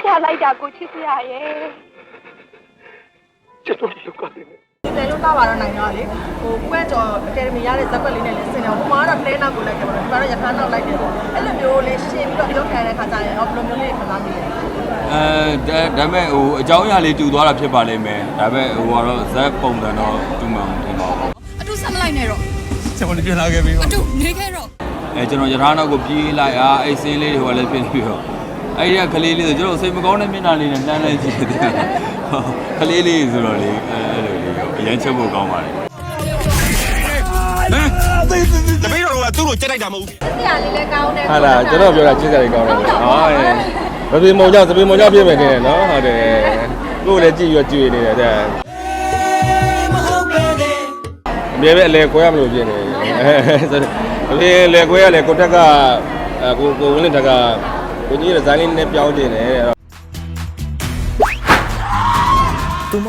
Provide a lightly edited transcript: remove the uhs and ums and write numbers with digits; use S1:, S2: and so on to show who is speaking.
S1: ထားလိုက်တာကိုချစ်စရာရဲ့ချစ်တော်ရုပ်ကတည်းက
S2: ဒီလိုတော့ပါတော့နိုင်တော့လေဟိုကိုကကျော်အကယ်ဒမီရတဲ့ဇက်ကွက်လေးနဲ့လည်းဆင်တယ်ဟိုမှာတော့တဲနောက်ကိုလိုက်တယ်ပေါ့နော်ဒီမှာတော့ရထားနောက်လိုက်တယ်ပေါ့အဲ့လိုမျိုးလေးရှင်းပြီးတော့ရုပ်ခံတဲ့ခါကျရင်ဘယ်လိုမျိုးလေးခံစားမိလဲ
S3: ဒါပေမဲ့ဟိုအကြောင်းအရာလေးတူသွားတာဖြစ်ပါလိမ့်မယ်ဒါပေမဲ့ဟိုကတော့ဇက်ပုံစံတော့တူမှမထင်ပါဘူး
S4: အတူဆက်မလိုက်နဲ့တော့
S3: ကျွန်တော်ပြန်လာခဲ့ပြီ
S4: အတူနေခဲ့တော့
S3: ကျွန်တော်ရထားနောက်ကိုပြေးလိုက်အဲ့စင်းလေးတွေဟိုလည်းပြင်ပြီးတော့အဲ့ဒီကကလေးလေးဆိုကျွန်တော်စိတ်မကောင်းတဲ့မျက်နှာလေးနဲ့လှမ်းလိုက်ကြည့်တယ်ကလေးလေးဆိုတော့လေအဲ့လိုလေးအရင်ချက်ဖို့ကောင်းပါတယ်
S5: တပည့်တော်ကသူ့ကိုကြက်လိုက်တာမဟုတ်ဘူး
S2: ဆရာလေးလည်းကောင်းတယ်
S6: ဟာလားကျွန်တော်ပြောတာချစ်စရာလေးကောင်းတယ်ဟာသပင်းမုံကြောင့်ပြည့်မယ်နေတယ်နော်ဟုတ်တယ်ကိုယ်လည်းကြည့်ရကြည့်နေတယ်တဲ့အမြဲပဲအလဲခွဲရမလို့ဖြစ်နေအလဲခွဲရလေကိုတက်ကကိုဝင်းလင်တက်ကကိုကြီးရဲ့ဇိုင်းလေးနဲ့ပြောင်းတင်တယ်